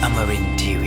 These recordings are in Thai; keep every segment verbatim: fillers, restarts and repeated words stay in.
Amarin ที วี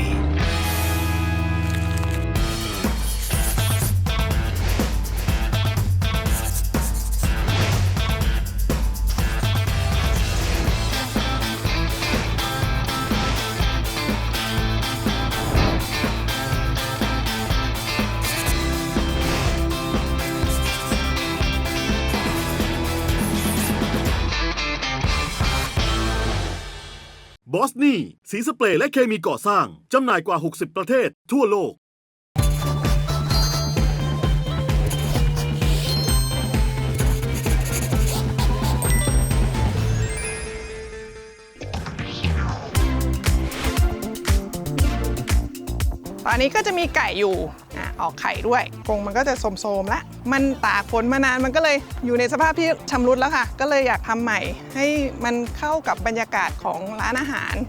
บอสนี่สีสเปรย์และเคมีก่อสร้างจำหน่ายกว่าหกสิบประเทศทั่วโลกตอนนี้ก็จะมีไก่อยู่อ่ะออกไข่ด้วยกรงมันก็จะโสมๆแล้วมันตากฝนมานานมันก็เลยอยู่ในสภาพที่ชำรุดแล้วค่ะก็เลยอยากทำใหม่ให้มันเข้ากับบรรยากาศของร้านอาหาร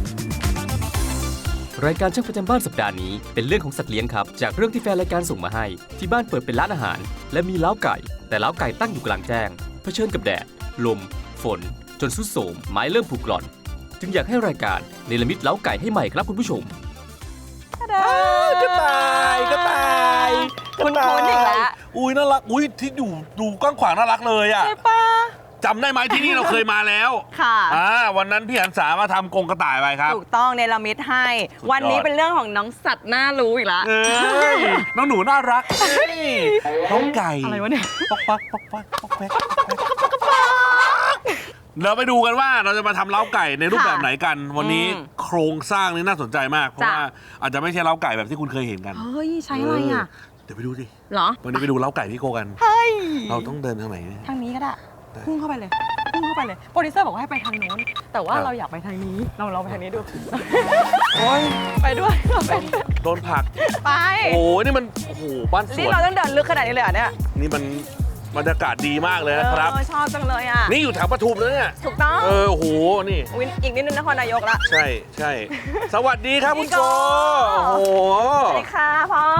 รายการช่างประจำบ้านสัปดาห์นี้เป็นเรื่องของสัตว์เลี้ยงครับจากเรื่องที่แฟนรายการส่งมาให้ที่บ้านเปิดเป็นร้านอาหารและมีเล้าไก่แต่เล้าไก่ตั้งอยู่กลางแจ้งเผชิญกับแดดลมฝนจนทรุดโทรมไม้เริ่มผุกร่อนจึงอยากให้รายการเนรมิตเล้าไก่ให้ใหม่ครับคุณผู้ชมกระต่ายกระต่ายคุณคุณอีกแล้วอุ้ยน่ารักอุ้ยที่อยู่ดูกว้างขวางน่ารักเลยอ่ะใช่ปะจำได้ไหมที่นี่เราเคยมาแล้วค่ะอ่าวันนั้นพี่หันษามาทำกรงกระต่ายไปครับถูกต้องเนรมิตให้ วันนี้เป็นเรื่องของน้องสัตว์น่ารู้อีกแล้วเอ้ยน้องหนูน่ารักเอ้ยน้องไก่อะไรวะเนี่ยป๊อกปักป๊อกปักป๊อกแป๊กเราไปดูกันว่าเราจะมาทำเล้าไก่ในรูปแบบไหนกัน วันนี้โครงสร้างนี่น่าสนใจมากเพราะว่าอาจจะไม่ใช่เล้าไก่แบบที่คุณเคยเห็นกันเฮ้ยใช้อะไรอ่ะเดี๋ยวไปดูสิเหรอวันนี้ไปดูเล้าไก่พี่โกกันเฮ้ยเราต้องเดินทางไหนทางนี้ก็ได้พุ่งเข้าไปเลยพุ่งเข้าไปเลยโปรดิวเซอร์บอกว่าให้ไปทางโน้นแต่ว่าเราอยากไปทางนี้เราเราไปทางนี้ดูโอ้ยไปด้วยเราไปด้วยโดนผลักไปโอ้ยนี่มันโอ้โหบ้านสนี่วนเราต้องเดินลึกขนาดนี้เลยเหรอเนี่ยนี่มันบรรยากาศดีมากเลยนะครับเออชอบจังเลยอ่ะนี่อยู่แถวปทุมแล้วเนี่ยถูกต้องเออโอ้โหนี่อุ๊ยอีกนิดนึงนครนายกละใช่ใช่สวัสดีครับคุณโจโอ้โหสวัสดีค่ะพ่อ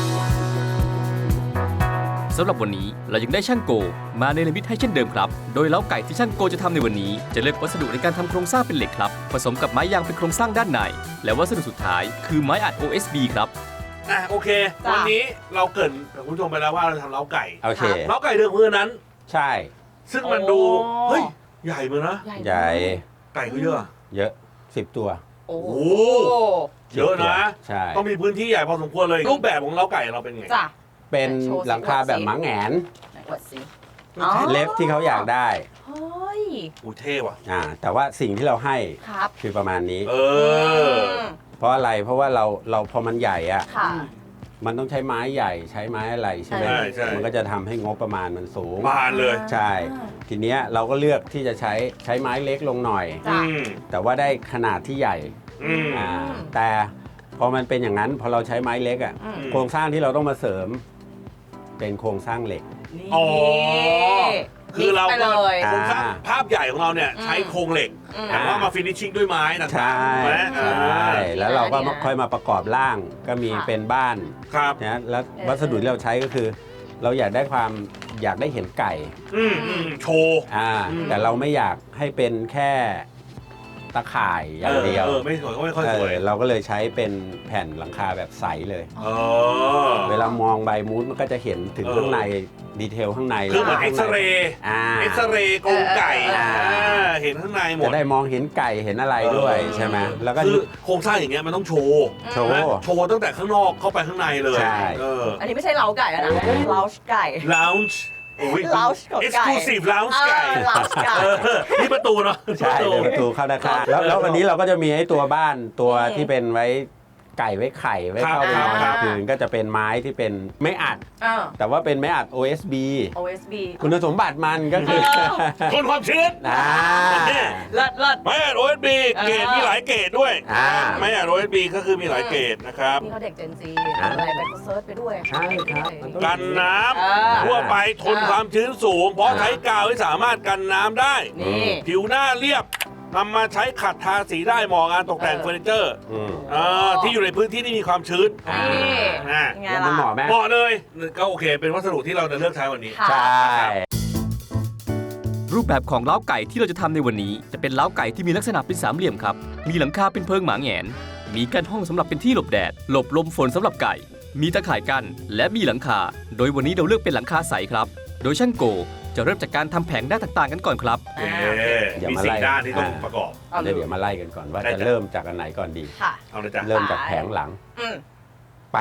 สำหรับวันนี้เรายังได้ช่างโกมาเนรมิตให้เช่นเดิมครับโดยเล้าไก่ที่ช่างโกจะทำในวันนี้จะเลือกวัสดุในการทำโครงสร้างเป็นเหล็กครับผสมกับไม้ยางเป็นโครงสร้างด้านในและวัสดุสุดท้ายคือไม้อัด โอ เอส บี ครับอ่ะโอเคจ้ะวันนี้เราเกรินกับคุณผู้ชมไปแล้วว่าเราจะทำเล้าไก่โอเคเล้าไก่เดิมพื้นนั้นใช่ซึ่งมันดูเฮ้ยใหญ่เหมือนนะใหญ่ไก่ก็เยอะเยอะสิบตัวโอ้โหเยอะนะใช่ต้องมีพื้นที่ใหญ่พอสมควรเลยรูปแบบของเล้าไก่เราเป็นไงจ้ะเป็นโชว์สิหลังคาแบบหมาแหงนไหนอวดสิเล็บที่เขาอยากได้เฮ้ยอู้เท่ว่ะอ่าแต่ว่าสิ่งที่เราให้ครับคือประมาณนี้เออเพราะอะไรเพราะว่าเราเราพอมันใหญ่อะค่ะมันต้องใช้ไม้ใหญ่ใช้ไม้อะไรใช่ไหมใช่ใช่มันก็จะทำให้งบประมาณมันสูงบานเลยใช่ ทีเนี้ยเราก็เลือกที่จะใช้ใช้ไม้เล็กลงหน่อยจ้ะอืมแต่ว่าได้ขนาดที่ใหญ่อืมอ่าแต่พอมันเป็นอย่างนั้นพอเราใช้ไม้เล็กอะอืมโครงสร้างที่เราต้องมาเสริม เป็นโครงสร้างเหล็กนี่อ๋อ คือเราไปก็เลยโครงสร้างภาพใหญ่ของเราเนี่ยใช้โครงเหล็กอืมแต่ว่ามาฟินิชชิ่งด้วยไม้ต่างใช่ๆถูกไหมใช่แล้วเราก็ดีนะค่อยมาประกอบร่างก็มีค่ะเป็นบ้านครับนะแล้ววัสดุที่เราใช้ก็คือ เราอยากได้ความอยากได้เห็นไก่อืมอืมโชว์อ่าอืมแต่เราไม่อยากให้เป็นแค่ตะข่ายอย่างเดียวเออไม่สวยก็ไม่ค่อยเอสวยอเราก็เลยใช้เป็นแผ่นหลังคาแบบใสเลยเออเวลามองใบมูดมันก็จะเห็นถึงเออข้างในดีเทลข้างในคือเหมือนข้าเอ็งกในซเรย์อ่าเอ็กซเรย์กรงไก่เออเออเอออ่าเห็นข้างในหมจะดได้มองเห็นไก่เห็นอะไรด้วยใช่ไหมแล้วก็คือโครงสร้างอย่างเงี้ยมันต้องโชว์โชว์นะโชว์ตั้งแต่ข้างนอกเข้าไปข้างในเลยใช่เอออันนี้ไม่ใช่เล้าไก่แล้วนะเล้าไก่ lounge โอ้ย lounge ของไก่ exclusive lounge เอไก่อเล้าไก่เออนี่ประตูเนาะใช่เป็นประตูเข้าด้านข้างแล้วแล้ววันนี้เราก็จะมีไอ้ตัวบ้านตัวอืมที่เป็นไว้ไก่ไว้ไข่ไว้ครับเข้าไปนอนคกรัลาบงคืนก็จะเป็นไม้ที่เป็นไม่อัดเออแต่ว่าเป็นไม้อัด โอ เอส บีโอ เอส บีคุณสมบัติมันก็คือทนความชื้นอ่าเลิศเลิศไม่อ่าน โอ เอส บี เกรดมีหลายเกรดด้วยอ่าไม่อ่าน โอ เอส บี ก็คือมีหลายเกรดนะครับนี่เขาเด็กเจนซีอะไรไปก็เซิร์ชไปด้วยใช่ครับมันต้องกันน้เออำทั่วไปทนความชื้นสูง เพราะใช้กาวที่สามารถกันน้ำได้นี่ผิวหน้าเรียบนำมาใช้ขัดทาสีได้เหมาะงานตกแต่งเออเฟอร์นิเจอร์อืมเออที่อยู่ในพื้นที่ที่มีความชื้นอ่านี่อ่าไงแล้วมันล่ะเหมาะไหมเหมาะเลยก็โอเค เป็นวัสดุที่เราจะเลือกใช้วันนี้ค่ะใช่รูปแบบของเล้าไก่ที่เราจะทำในวันนี้จะเป็นเล้าไก่ที่มีลักษณะเป็นสามเหลี่ยมครับมีหลังคาเป็นเพิงหมาแหงนมีกั้นห้องสำหรับเป็นที่หลบแดด หลบลมฝนสำหรับไก่ มีตะข่ายกั้นและมีหลังคา โดยวันนี้เราเลือกเป็นหลังคาใสครับ โดยช่างโกจะเริ่มจากการทำแผงด้านต่างๆกันก่อนครับเอ๊ะเดี๋ยวมีมาสี่ไล่ด้านที่ต้องประกอบเอาเลเดี๋ยยวเดี๋ยวมาไล่กันก่อนว่าได้จะจ้ะเริ่มจากอันไหนก่อนดีค่ะเอาเลยจ้ะเริ่มจากแผงหลังอืมไป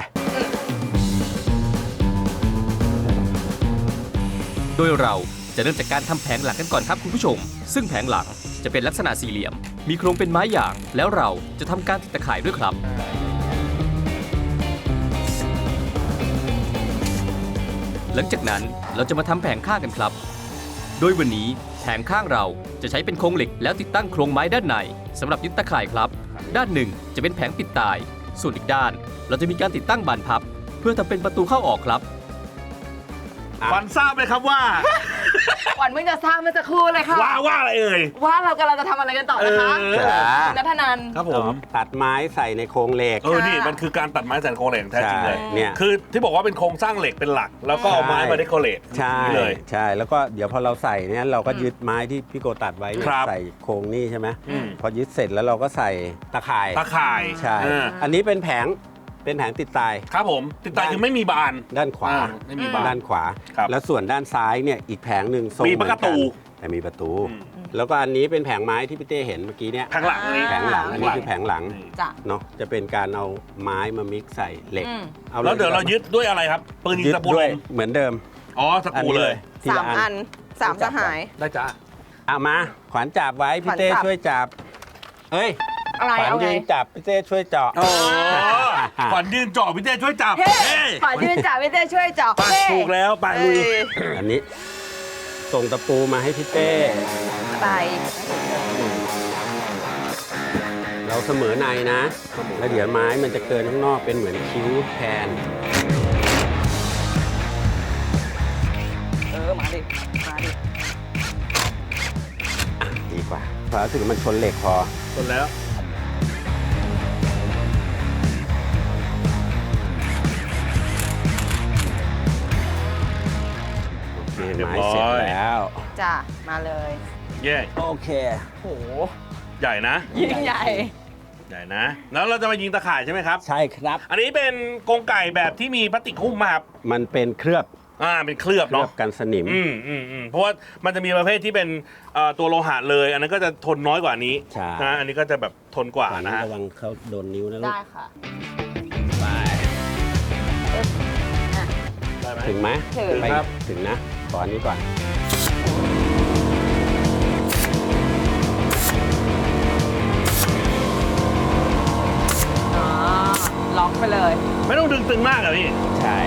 โดยเราจะเริ่มจากการทำแผงหลังกันก่อนครับคุณผู้ชม ซึ่งแผงหลังจะเป็นลักษณะสี่เหลี่ยม มีโครงเป็นไม้หยาง แล้วเราจะทำการติดตะข่ายด้วยครับ หลังจากนั้นเราจะมาทำแผงข้างกันครับ โดยวันนี้แผงข้างเราจะใช้เป็นโครงเหล็กแล้วติดตั้งโครงไม้ด้านในสำหรับยึดตะข่ายครับ ด้านหนึ่งจะเป็นแผงปิดตาย ส่วนอีกด้าน เราจะมีการติดตั้งบานพับ เพื่อทำเป็นประตูเข้าออกครับขวัญทราบไหมครับว่าขวัญเพิ่งจะสร้างเมื่อสักครู่เลยค่ะว่าว่าอะไรเอ่ยว่าเรากำลังจะทำอะไรกันต่อนะคะเออคุณนัทนันท์ครับผมตัดไม้ใส่ในโครงเหล็กเออ นี่มันคือการตัดไม้แสนโครงเหล็กแท้จริงเลยใช่เนี่ยคือที่บอกว่าเป็นโครงสร้างเหล็กเป็นหลัก แล้วก็เอาไม้มาเดคอเรทใช่นี่เลยใช่แล้วก็เดี๋ยวพอเราใส่เนี่ยเราก็ยึดไม้ที่พี่โกตัดไว้เนี่ยครับใส่โครงนี่ใช่ไหมอืมพอยึดเสร็จแล้วเราก็ใส่ตะข่ายตะข่ายใช่เอออันนี้เป็นแผงเป็นแผงติดตายครับผม ติดตายคือไม่มีบานด้านขวาอ่ไม่มีบานด้านขวาครับแล้วส่วนด้านซ้ายเนี่ยอีกแผงหนึ่งทรงมีเหมือนประตูกันแต่มีประตูอืมแล้วก็อันนี้เป็นแผงไม้ที่พี่เต้เห็นเมื่อกี้เนี่ยแผงหลังอันนี้แผงหลังอันนี้คือแผงหลังนี่จ้ะเนาะจะเป็นการเอาไม้มามิกซ์ใส่เหล็กอืมอาแล้วเดี๋ยวเรายึดด้วยอะไรครับ ปืนยิงยึดตะปูด้ลวยมเหมือนเดิมอ๋อสกรูเลยทีสาละมอันสามสหายได้จ้าเอามาขวัญจับไว้พี่เต้ขวัญจับช่วยจับเอ้ยอะไรขวัญเอาไงยืนจับพี่เต้ช่วยเจาะอ๋อขวัญยืนจ่อพี่เต้ช่วยจับเฮ้เฮ้ยขวัญยืนจ่าพี่เต้ช่วยเจาะไปเฮ้ถูกแล้วไปลุยเอ้ยอันนี้ส่งตะปูมาให้พี่เต้ไปเราเสมอในนะแล้วเดี๋ยวไม้มันจะเกินข้างนอกเป็นเหมือนคิ้วแทนเออมาดิมาดิดีกว่าเพราะรู้สึกมันชนเหล็กพอจนแล้วโอเคไม้เสร็จแล้วจ้ะมาเลยเย่โอเคโหใหญ่นะยิ่งใหญ่ใหญ่นะ แล้วเราจะมายิงตะข่ายใช่ไหมครับใช่ครับอันนี้เป็นกรงไก่แบบที่มีพลาสติกหุ้มมาครับมันเป็นเคลือบอ่า เป็นเคลือบเคลือเนาะบกันสนิมอืมอืมอืมเพราะว่ามันจะมีประเภทที่เป็นเอ่อตัวโลหะเลย อันนั้นก็จะทนน้อยกว่านี้ใช่นะอันนี้ก็จะแบบทนกว่าขวัญนะฮะระวังเขาโดนนิ้วนะลูกได้ค่ะไปได้ไหมถึงไหมถึงไปครับถึงนะขออันนี้ก่อนอ๋อ ล็อกไปเลยไม่ต้องดึงตึงมากอะพี่ใช่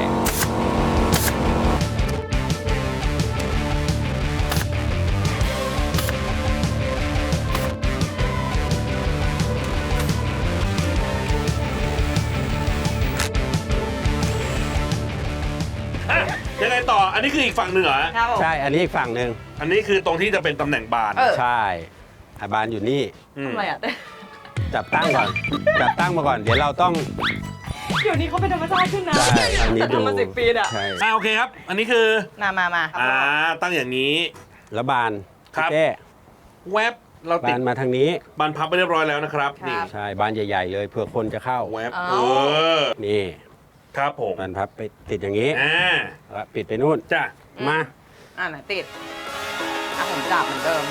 อ่ะยังไงต่อ อันนี้คืออีกฝั่งหนึ่งเหรอฮะครับผมใช่อันนี้อีกฝั่งหนึ่งอันนี้คือตรงที่จะเป็นตำแหน่งบานเออใช่อาบานอยู่นี่มทำอะไรอ่ะจับตั้งก่อน จับตั้งมาก่อน เดี๋ยวเราต้องเดี๋ยวนี้เขาเป็นธรรมชาติขึ้นนะใช่อันนี้ดูทำมาสิบปีอ่ะใช่อ่าโอเคครับ อันนี้คือมามามาอ่า ตั้งอย่างนี้แล้วบานครับพี่เต้แวบเราติบาดนมาทางนี้บานพับไปเรียบร้อยแล้วนะครับ นี่ใช่บานใหญ่ ๆ เลยเผื่อคนจะเข้าแวบเอาเออนี่ครับผมบานพับไปติดอย่างนี้อ่าแล้วปิดไปนู่นจ้ะมาอ่าไหนติด อ่ะผมจับเหมือนเดิม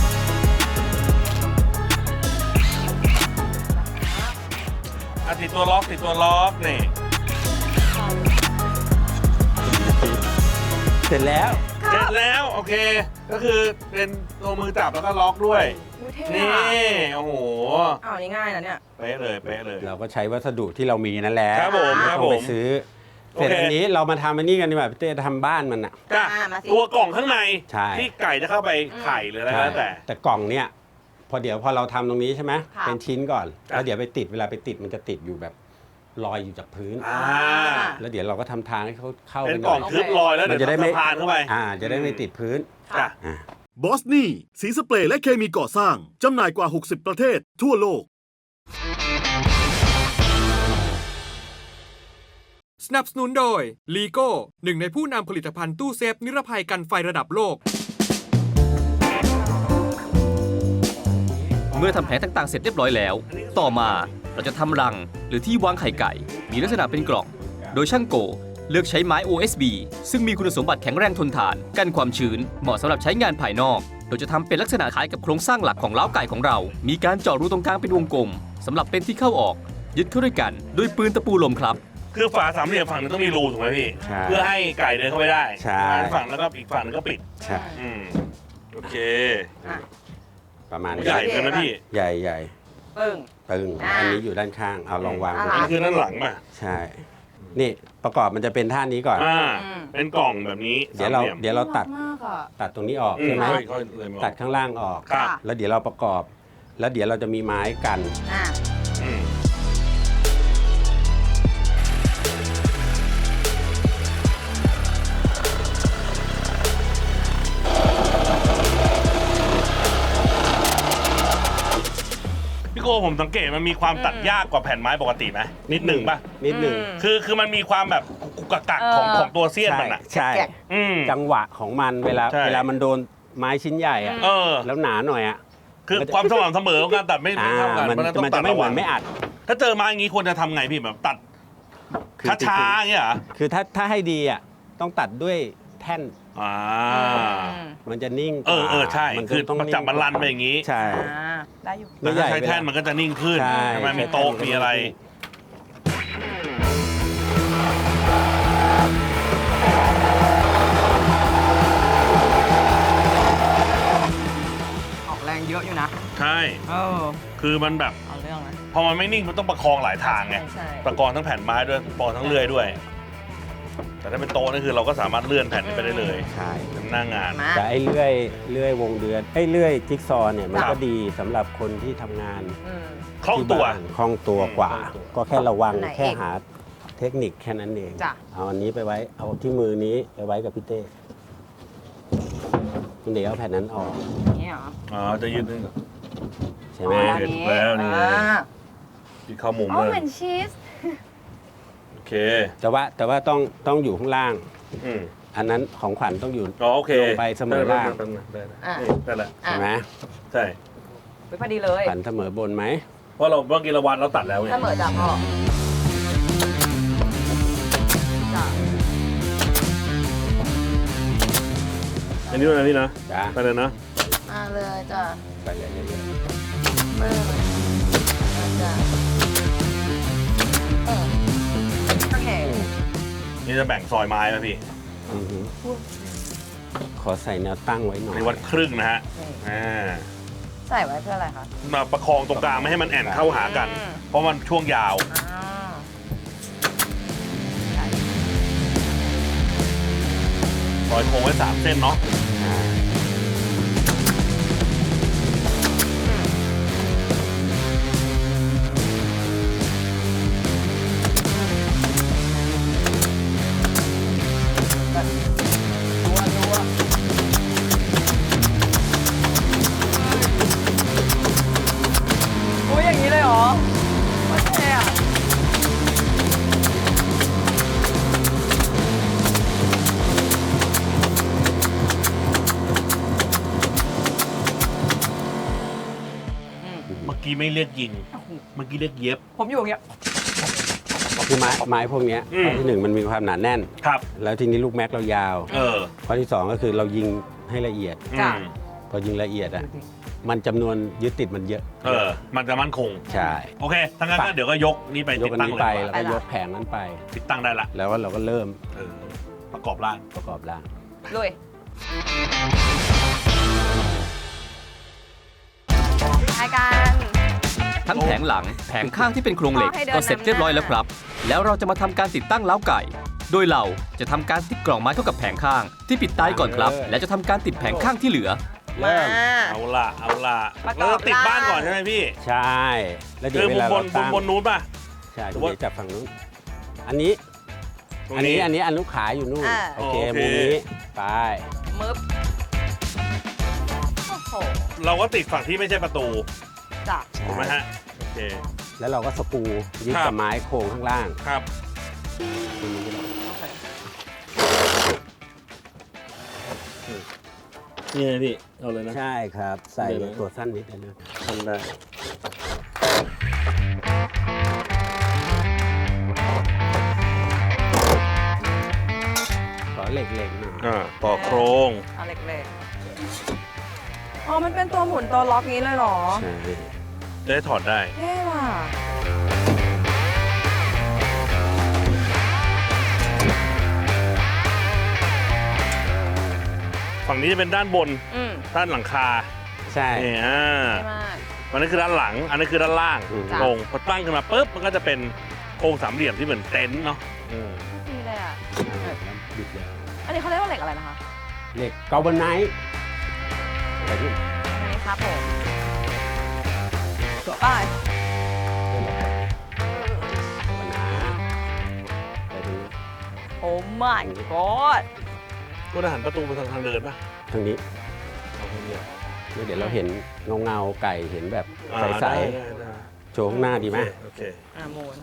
อ่ะติดตัวล็อกติดตัวล็อกนี่เสร็จแล้วเสร็จแล้วโอเค ก็คือเป็นตัวมือจับแล้วก็ล็อกด้วยอุ๊ยเท่นี่อะโอ้โหอ้าวนี่ง่ายนะเนี่ยเป๊ะเลยเป๊ะเลยเราก็ใช้วัสดุที่เรามีนั่นแหละครับผมครับต้องไปผมซื้อโอเสร็จเคอันนี้เรามาทำอันนี้กันดีกว่าพี่เต้ทำบ้านมันอ่ะจ้ะอ่ามาสิตัวกล่องข้างในใช่ที่ไก่จะเข้าไปไข่หรืออะไรก็แล้วแต่แต่กล่องเนี่ยพอเดี๋ยวพอเราทำตรงนี้ใช่ไหมค่ะเป็นชิ้นก่อนครับแล้วเดี๋ยวไปติดเวลาไปติดมันจะติดอยู่แบบลอยอยู่จากพื้นอ่าแล้วเดี๋ยวเราก็ทำทางให้เขาเข้าเป็นไปหกล่น่ออง ยทึบลอยแล้วมัเดี๋ยนจะได้วไม่สะพานเข้าไปอ่าจะได้ไม่ติดพื้นจ้ะอ่าบอสนี่สีสเปรย์และเคมีก่อสร้าง จำหน่ายกว่า หกสิบ ประเทศทั่วโลกสนับสนุนโดย ลีโก้ หนึ่งในผู้นำผลิตภัณฑ์ตู้เซฟนิรภัยกันไฟระดับโลกเมื่อทำแผงต่างๆเสร็จเรียบร้อยแล้ว ต่อมาเราจะทำรังหรือที่วางไข่ไก่ มีลักษณะเป็นกล่อง โดยช่างโกเลือกใช้ไม้ โอ เอส บี ซึ่งมีคุณสมบัติแข็งแรงทนทาน กันความชื้น เหมาะสำหรับใช้งานภายนอก โดยจะทำเป็นลักษณะคล้ายกับโครงสร้างหลักของเล้าไก่ของเรา มีการเจาะรูตรงกลางเป็นวงกลมสำหรับเป็นที่เข้าออก ยึดเข้าด้วยกันด้วยปืนตะปูลมครับคือฝาสามเหลี่ยมฝั่งหนึงต้องมีรูถูกไหมพี่ใช่เพื่อให้ไก่เดินเข้าไปได้ใช่ฝั่งแล้วก็อีกฝั่งหนึงก็ปิดใช่อืมโอเคประมาณนี้ใหญ่เลยนะพี่ใหญ่ใหญ่ปึ้งตึงอ่าอันนี้อยู่ด้านข้างเอาลองวางอ่าดูอันนี้คือด้านหลังป่ะใช่ นี่ประกอบมันจะเป็นท่านี้ก่อนอ่าอืมเป็นกล่องแบบนี้เดี๋ยวเราสมหลี่มเดี๋ยวเราตัดมากอ่ะตัดตรงนี้ออกอืมใช่ไหมค่อยค่อยเลยมาตัดข้างล่างออกครับแล้วเดี๋ยวเราประกอบ แล้วเดี๋ยวเราจะมีไม้กันอ่ะอืมพี่โกผมสังเกตมันมีความตัดยากกว่าแผ่นไม้ปกติไหมนิดหนึ่งป่ะนิดหนึ่งคือคือมันมีความแบบกุกกักกักของของตัวเสี้ยนใช่มันอ่ะใช่อืมจังหวะของมันเวลาใช่เวลามันโดนไม้ชิ้นใหญ่อะเออแล้วหนาหน่อยอะคือความสม่ำเสมอของการตัดไม่อ่าไม่เท่ากันมันเพราะฉะนั้นต้อมันงตัจะดไม่ระเหมืวัอง นไม่อัดถ้าเจอไม้อย่างนี้ควรจะทำไงพี่แบบตัดคือช้าๆอย่างเงี้ยเหรอคือถ้าถ้าให้ดีอ่ะต้องตัดด้วยแท่นอ่ามันจะนิ่งกเอว่าอเออใช่มันคือต้องจับมันรันไปอย่างนี้ใช่อ่าได้อยู่แต่ถ้าใช้แท่นมันก็จะนิ่งขึ้นใช่ใช่ไหมมีโต๊ะมีอะไรออกแรงเยอะอยู่นะใช่เออคือมันแบบเอาเรื่องนะพอมันไม่นิ่งมันต้องประคองหลายทางไงใช่ใช่ประคองทั้งแผ่นไม้ด้วยประคองทั้งเลื่อยด้วย แต่ถ้าเป็นโต๊ะนี่คือเราก็สามารถเลื่อนแผ่นนี้ไปได้เลยใช่เป็นหน้างานมาแต่ไอ้เลื่อยเลื่อยวงเดือนไอ้เลื่อยจิ๊กซอว์เนี่ยมันครัก็บดีสำหรับคนที่ทำงานอืมคล่องตัวที่บ้านคล่องตัวกว่าคล่องตัวก็แค่ระวังอันไหนแค่เองหาเทคนิคแค่นั้นเองจ้ะเอาอันนี้ไปไว้เอาที่มือนี้ไปไว้กับพี่เต้เดี๋ยวเอาแผ่นนั้นออกอย่างนี้เหรออ๋อจะยืดนึงใช่ไหมอ๋อเห็นแล้วนี่ไงอ่าที่เข้ามุมอ๋อเลยเหมือนชีสโอเคแต่ว่าแต่ว่าต้องต้องอยู่ข้างล่างอืมอันนั้นของขวัญต้องอยู่อ๋อโอเคลงไปเสมอล่างได้ได้ได้อ่ะนี่ได้แล้วใช่ไหมใช่ไปพอดีเลยขวัญเสมอบนไหมเพราะเราเมื่อกี้เราวัดเราตัดแล้วไงเสมอจ้ะพ่อจ้ะอันนี้ด้วยนะพี่นะจ้าไปเลยนะมาเลยจ้ะไปเลยเรื่อยมาเลยจ้ะเออโอเคนี่จะแบ่งซอยไม้ไหมพี่ๆอือหือขอใส่แนวตั้งไว้หน่อยในวัดครึ่งนะฮะอ่าใส่ไว้เพื่ออะไรคะมาประคองตรงกลางไม่ให้มันแอนเข้าหากันอืมเพราะมันช่วงยาวอ่าซอยโค้งไว้สามเส้นเนาะอ่ารัวรัวโอ้ยอย่างนี้เลยเหรอโอเคอ่ะเมื่อกี้ไม่เรียกยิง เมื่อกี้เรียกเย็บผมอยู่อย่างเงี้ยคือไม้ไม้พวกเนี้ยอืมข้อที่หนึ่งมันมีความหนาแน่นครับแล้วทีนี้ลูกแม็กเรายาวเออข้อที่สองก็คือเรายิงให้ละเอียดจ้ะอืมพอยิงละเอียดอ่ะมันจำนวนยึดติดมันเยอะเออ มันจะมั่นคงใช่โอเคทั้างนั้นก็เดี๋ยวก็ยกนี่ไปยติกดอันตั้งนี้เลยไปดีกแล้วว่าก็ยกแผงนั้นไปติดตั้งได้ละแล้วก็เราก็เริ่มเออ ประกอบร่างประกอบร่างลุยรายการทั้งแผงหลังแผงข้างที่เป็นโครงเหล็กขอให้เดินก็เสร็จเรียบร้อยแล้วครับ แล้วเราจะมาทำการติดตั้งเล้าไก่ โดยเราจะทำการติดกล่องไม้เข้ากับแผงข้าง ที่ปิดตายก่อนครับ และจะทำการติดแผงข้างที่เหลือมาเอาละเอาละประกอบเราติดบ้านร่างก่อนใช่ไหมพี่ใช่ แล้วเดี๋คืยอวเวมุมลาบเรานมุตั้มงบนนู้นป่ะใช่หรือเดี๋ว่ายวจับฝั่งนู้นอันนี้ตรงอันนี้นี้อันนี้อันลูกขาอยู่นู่นอ่าโอเคโอเคมุมนี้ไปมึบโอ้โหเราก็ติดฝั่งที่ไม่ใช่ประตูจ้ะถูกไหมฮะ โอเคแล้วเราก็สกรูยึดครักับบ ไม้โครงข้างล่างครับโอเคนี่ไงพี่ เอาเลยนะใช่ครับ ใส่เดี๋ยวนะตัวสั้นนิดนึงทำได้ขอเหล็กๆหน่อยอ่าต่อโครงเอาเล็กๆอ๋อมันเป็นตัวหมุนตัวล็อกนี้เลยเหรอใช่ได้ถอดได้เท่ว่ะฝั่งนี้จะเป็นด้านบนอืมด้านหลังคาใช่นี่อ่าเท่มากอันนี้คือด้านหลัง อันนี้คือด้านล่างอืมโครงพอตั้งขึ้นมาปุ๊บมันก็จะเป็นโครงสามเหลี่ยมที่เหมือนเต็นท์เนาะอืมดีเลยอ่ะบิดแล้วอันนี้เขาเรียกว่าเหล็กอะไรนะคะเหล็กเกาบอนไนท์อะไรที่อันนี้ครับผมตัวป้ายปัญหาอะไรตรงนี้โอ้ my god ก็จะหันประตูไปทางทางเดินป่ะทางนี้เอาทางเดียวแล้วเดี๋ยวเราเห็นเงาเงาๆไก่เห็นแบบอ่าใสได้ได้ได้ๆโชว์ข้างหน้าดีไหมโอเคอ่าหมุน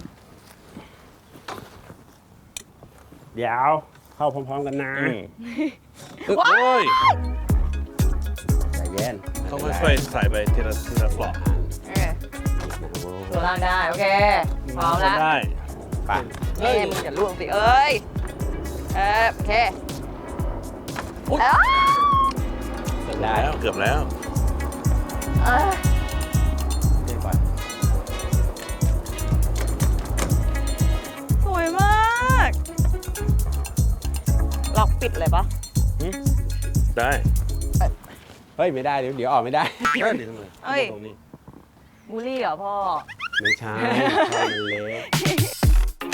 เดี๋ยวเข้าพร้อมๆกันนะอืมโอ้ยใจเย็นต้องค่อยๆใส่ไปทีละทีละปลอกโอเคตัวล่างได้ โอเค พร้อมแล้วได้ไปเอ้ยมึงอย่าล่วงสิ เอ้ย เออโอเคเอ้ยได้แล้วเกือบแล้วเอ้ยเดี๋ยวก่อนสวยมาก ล็อกปิดเลยปะได้เฮ้ยไม่ได้เดี๋ยวเดี๋ยวออกไม่ได้ได้ดิทำไมเอ้ยตรงนี้บูลลี่เหรอพ่อไม่ใช่ใช่มันเล็ก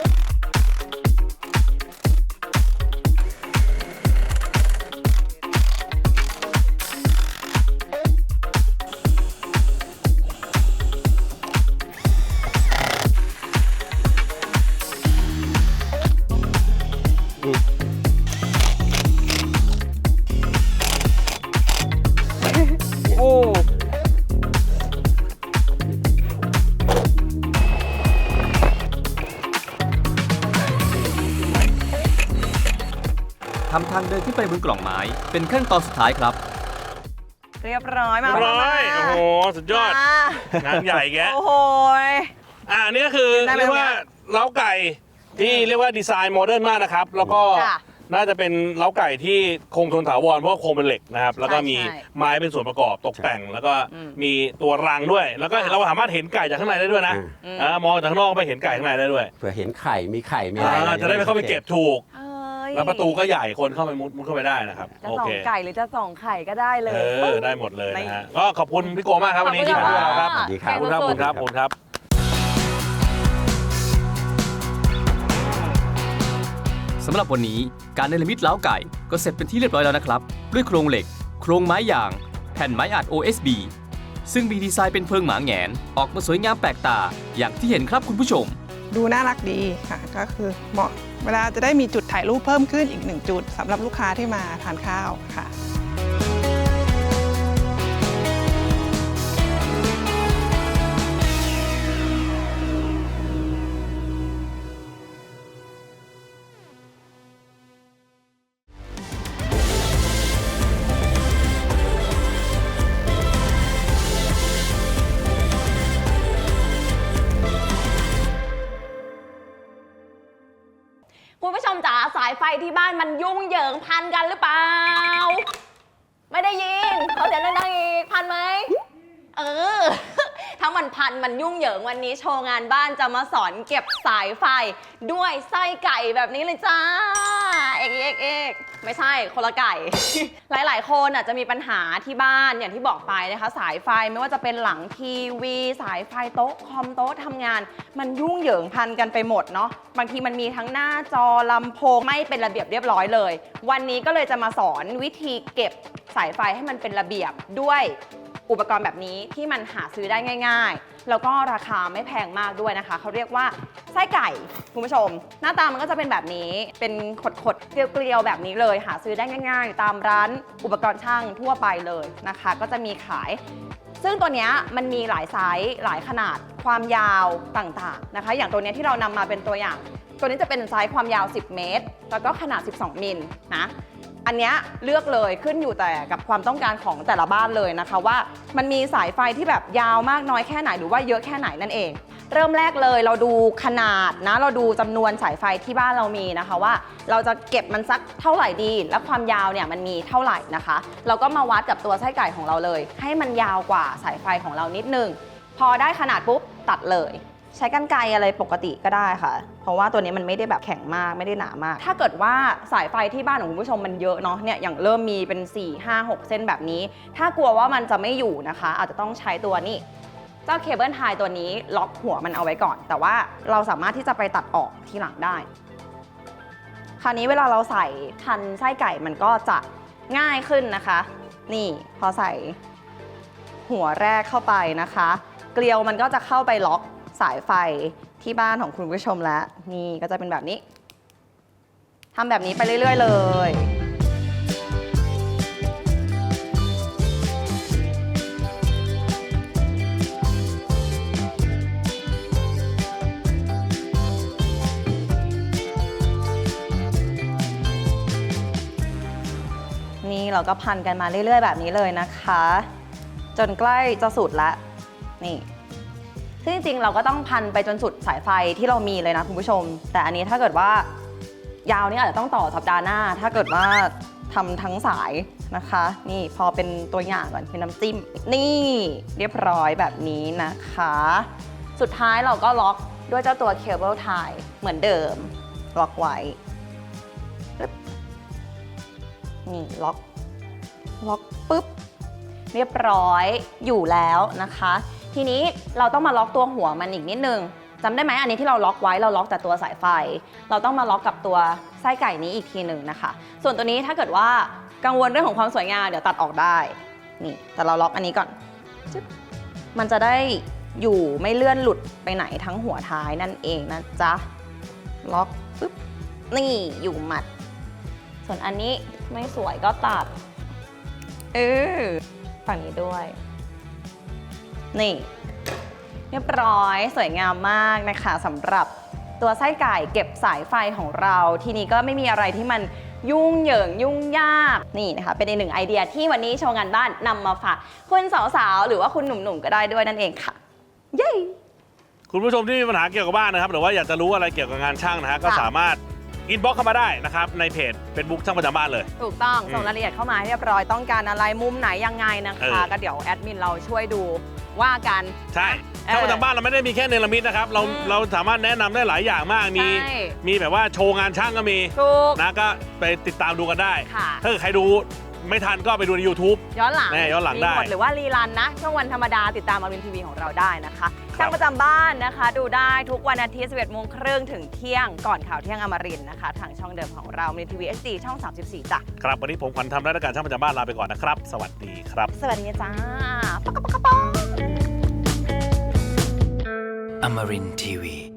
โอ้ทำทางเดินขึ้นไปบนกล่องไม้ เป็นขั้นตอนสุดท้ายครับเรียบร้อยมาเรียบร้อยมาโอ้โห สุดยอดมางานใหญ่แกโอ้โหยอ่าอันนี้ก็คือได้ไหมเรียกว่าเล้าไก่ที่เรียกว่าดีไซน์โมเดิร์นมากนะครับ แล้วก็จ้ะน่าจะเป็นเล้าไก่ที่คงทนถาวรเพราะว่าโครงเป็นเหล็กนะครับ แล้วก็มีใช่ไม้เป็นส่วนประกอบตกแต่ง แล้วก็อืมมีตัวรังด้วย แล้วก็เราสามารถเห็นไก่จากข้างในได้ด้วยนะอืมอ่ามองจากข้างนอกไปเห็นไก่ข้างในได้ด้วยเผื่อเห็นไข่มีไข่มีอะไรอ่าจะได้ไปเข้าไปเก็บถูกเอ้ยแล้วประตูก็ใหญ่คนเข้าไปมุดมุดเข้าไปได้นะครับจะโอส่อเคงไก่หรือจะส่องไข่ก็ได้เลยเออได้หมดเลยนะฮะก็ขอบคุณพี่โกมากครับวันนี้ที่มาด้วยเราครับสวัสดีครัขบอบคุณครับขอบคุณครับขอบคุณครับสำหรับวันนี้การเนรมิตเล้าไก่ก็เสร็จเป็นที่เรียบร้อยแล้วนะครับ ด้วยโครงเหล็ก โครงไม้ยาง แผ่นไม้อัด โอ เอส บี ซึ่งมีดีไซน์เป็นเพิงหมาแหงน ออกมาสวยงามแปลกตา อย่างที่เห็นครับคุณผู้ชมดูน่ารักดีค่ะ ก็คือเหมาะเวลาจะได้มีจุดถ่ายรูปเพิ่มขึ้นอีกหนึ่งจุดสำหรับลูกค้าที่มาทานข้าวค่ะคุณผู้ชมจ๋าสายไฟที่บ้านมันยุ่งเหยิงพันกันหรือเปล่า ไม่ได้ยินเขาเสียงดังๆอีกพันไหมเออ ถ้ามันพันมันยุ่งเหยิงวันนี้โชว์งานบ้านจะมาสอนเก็บสายไฟด้วยไส้ไก่แบบนี้เลยจ้าเอกเอกเอกไม่ใช่คนละไก่ หลายๆคนอ่ะจะมีปัญหาที่บ้านอย่างที่บอกไปนะคะสายไฟไม่ว่าจะเป็นหลังทีวีสายไฟโต๊ะคอมโต๊ะทำงาน มันยุ่งเหยิงพันกันไปหมดเนาะบางทีมันมีทั้งหน้าจอลำโพงไม่เป็นระเบียบเรียบร้อยเลย วันนี้ก็เลยจะมาสอนวิธีเก็บสายไฟให้มันเป็นระเบียบด้วยอุปกรณ์แบบนี้ที่มันหาซื้อได้ง่ายๆแล้วก็ราคาไม่แพงมากด้วยนะคะเขาเรียกว่าไส้ไก่คุณผู้ชม หน้าตามันก็จะเป็นแบบนี้เป็นขดๆเกลียวๆแบบนี้เลยหาซื้อได้ง่ายๆตามร้านอุปกรณ์ช่างทั่วไปเลยนะคะก็จะมีขาย ซึ่งตัวเนี้ยมันมีหลายไซส์หลายขนาดความยาวต่างๆนะคะอย่างตัวเนี้ยที่เรานำมาเป็นตัวอย่าง ตัวนี้จะเป็นไซส์ความยาวสิบเมตรแล้วก็ขนาดสิบสองมิลนะอันเนี้ยเลือกเลยขึ้นอยู่แต่กับความต้องการของแต่ละบ้านเลยนะคะว่ามันมีสายไฟที่แบบยาวมากน้อยแค่ไหนหรือว่าเยอะแค่ไหนนั่นเอง เริ่มแรกเลยเราดูขนาดนะเราดูจำนวนสายไฟที่บ้านเรามีนะคะว่าเราจะเก็บมันสักเท่าไหร่ดีและความยาวเนี่ยมันมีเท่าไหร่นะคะเราก็มาวัดกับตัวไส้ไก่ของเราเลยให้มันยาวกว่าสายไฟของเรานิดนึงพอได้ขนาดปุ๊บตัดเลยใช้กรรไกรอะไรปกติก็ได้ค่ะเพราะว่าตัวนี้มันไม่ได้แบบแข็งมากไม่ได้หนามากถ้าเกิดว่าสายไฟที่บ้านของคุณผู้ชมมันเยอะเนาะเนี่ยอย่างเริ่มมีเป็นสี่ ห้า หกเส้นแบบนี้ถ้ากลัวว่ามันจะไม่อยู่นะคะอาจจะต้องใช้ตัวนี้เจ้าเคเบิลไทตัวนี้ล็อกหัวมันเอาไว้ก่อนแต่ว่าเราสามารถที่จะไปตัดออกทีหลังได้คราวนี้เวลาเราใส่พันไส้ไก่มันก็จะง่ายขึ้นนะคะนี่พอใส่หัวแรกเข้าไปนะคะเกลียวมันก็จะเข้าไปล็อกสายไฟที่บ้านของคุณผู้ชมแล้วนี่ก็จะเป็นแบบนี้ทำแบบนี้ไปเรื่อยๆเลยนี่เราก็พันกันมาเรื่อยๆแบบนี้เลยนะคะจนใกล้จะสุดแล้วนี่ซึ่งจริงๆเราก็ต้องพันไปจนสุดสายไฟที่เรามีเลยนะคุณผู้ชมแต่อันนี้ถ้าเกิดว่ายาวนี่อาจจะต้องต่อสัปดาห์หน้าถ้าเกิดว่าทำทั้งสายนะคะนี่พอเป็นตัวอย่างก่อนเป็นน้ำจิ้มนี่เรียบร้อยแบบนี้นะคะสุดท้ายเราก็ล็อกด้วยเจ้าตัวเคเบิลไทเหมือนเดิมล็อกไว้นี่ล็อกล็อกปุ๊บเรียบร้อยอยู่แล้วนะคะทีนี้เราต้องมาล็อกตัวหัวมันอีกนิดนึงจำได้ไหมอันนี้ที่เราล็อกไว้เราล็อกแต่ตัวสายไฟเราต้องมาล็อกกับตัวไส้ไก่นี้อีกทีหนึ่งนะคะส่วนตัวนี้ถ้าเกิดว่ากังวลเรื่องของความสวยงามเดี๋ยวตัดออกได้นี่แต่เราล็อกอันนี้ก่อนจึ๊บมันจะได้อยู่ไม่เลื่อนหลุดไปไหนทั้งหัวท้ายนั่นเองนะจ๊ะล็อกปุ๊บนี่อยู่หมัดส่วนอันนี้ไม่สวยก็ตัดเออฝั่งนี้ด้วยนี่เรียบร้อยสวยงามมากนะคะสำหรับตัวไส้ไก่เก็บสายไฟของเราทีนี้ก็ไม่มีอะไรที่มันยุ่งเหยิงยุ่งยากนี่นะคะเป็นอีกหนึ่งไอเดียที่วันนี้โชว์งานบ้านนำมาฝากคุณสาวๆหรือว่าคุณหนุ่มๆก็ได้ด้วยนั่นเองค่ะเย้คุณผู้ชมที่มีปัญหาเกี่ยวกับบ้านนะครับหรือว่าอยากจะรู้อะไรเกี่ยวกับงานช่างนะฮะก็สามารถอินบ็อกซ์เข้ามาได้นะครับในเพจ Facebook ช่างประจำบ้านเลยถูกต้องส่งรายละเอียดเข้ามาให้เรียบร้อยต้องการอะไรมุมไหนยังไงนะคะก็เดี๋ยวแอดมินเราช่วยดูว่ากันใช่ช่างประจำบ้านเราไม่ได้มีแค่เนรมิตนะครับเราเราสามารถแนะนำได้หลายอย่างมากมีมีแบบว่าโชว์งานช่างก็มีนะก็ไปติดตามดูกันได้ถ้าเกิดใครดูไม่ทันก็ไปดูใน YouTube ย้อนหลังย้อนหลังได้หรือว่ารีรันนะช่วงวันธรรมดาติดตามอมรินทร์ทีวีของเราได้นะคะช่างประจำบ้านนะคะดูได้ทุกวันอาทิตย์ สิบเอ็ดโมงครึ่งถึงเที่ยงก่อนข่าวเที่ยงอมรินทร์นะคะทางช่องเดิมของเราอมรินทร์ทีวี เอช ดี ช่องสามสิบสี่จ้ะครับวันนี้ผมขวัญทำรายการช่างประจำบ้านลาไปก่อนนะครับสวัสดีครับสวัสดีจ้าปะกะปะกะปะ Amarin ที วี